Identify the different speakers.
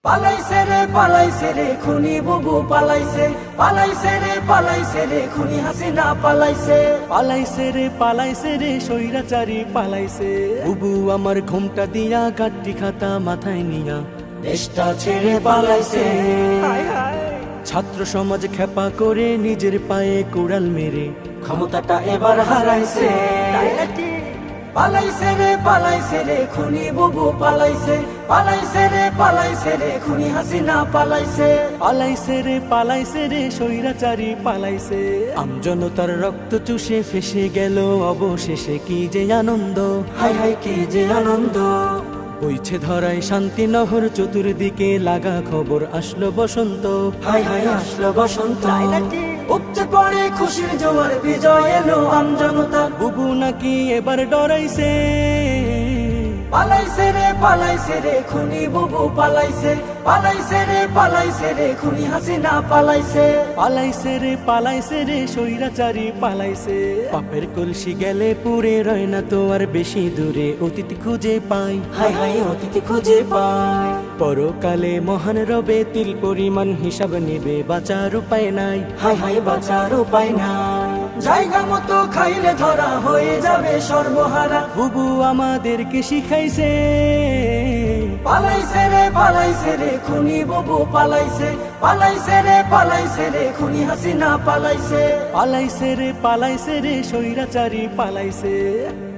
Speaker 1: পালাইছে রে খুনি বুবু পালাইছে রে খুনি হাসিনা
Speaker 2: পালাইছে রে স্বৈরাচারী পালাইছে। বুবু আমার ঘুমটা দিয়া গাড্ডি খাতা মাথায় নিয়া
Speaker 1: দেশটা ছেড়ে পালাইছে।
Speaker 2: ছাত্র সমাজ খেপা করে নিজের পায়ে কুড়াল মেরে
Speaker 1: ক্ষমতাটা এবার হারাইছে। পালাইছে রে খুনি বুবু পালাইছে রে খুনি হাসিনা
Speaker 2: পালাইছে রে স্বৈরাচারী পালাইছে। আমজনতার রক্ত চুষে ফেসে গেল অবশেষে কি যে আনন্দ,
Speaker 1: হাই হাই কি যে আনন্দ।
Speaker 2: বইছে ধরায় শান্তি নহর চতুর্দিকে লাগা খবর আসলো বসন্ত,
Speaker 1: হাই হাই আসলো বসন্ত। উপচে পড়ে খুশির জোয়ার বিজয় এলো আমজনতার।
Speaker 2: বুবু নাকি এবার ডরাইছে।
Speaker 1: পালাইছে রে খুনি বুবু পালাইছে রে খুনি হাসিনা
Speaker 2: পালাইছে রে স্বৈরাচারী পালাইছে। পাপের কলসি গেলে পুরে রয় না তো আর বেশি দূরে, অতীত খুঁজে পাই,
Speaker 1: হাই হাই অতীত খুঁজে পাই।
Speaker 2: পরকালে মহান রবে তিল পরিমাণ হিসাব নেবে, বাঁচার উপায় নাই,
Speaker 1: হাই হাই বাঁচার উপায় নাই। জায়গা মতো খাইলে ধরা হয়ে যাবে সর্বহারা।
Speaker 2: বুবু আমাদেরকে শিখাইছে।
Speaker 1: পালাইছে রে খুনি বুবু পালাইছে রে খুনি হাসিনা
Speaker 2: পালাইছে রে স্বৈরাচারী পালাইছে।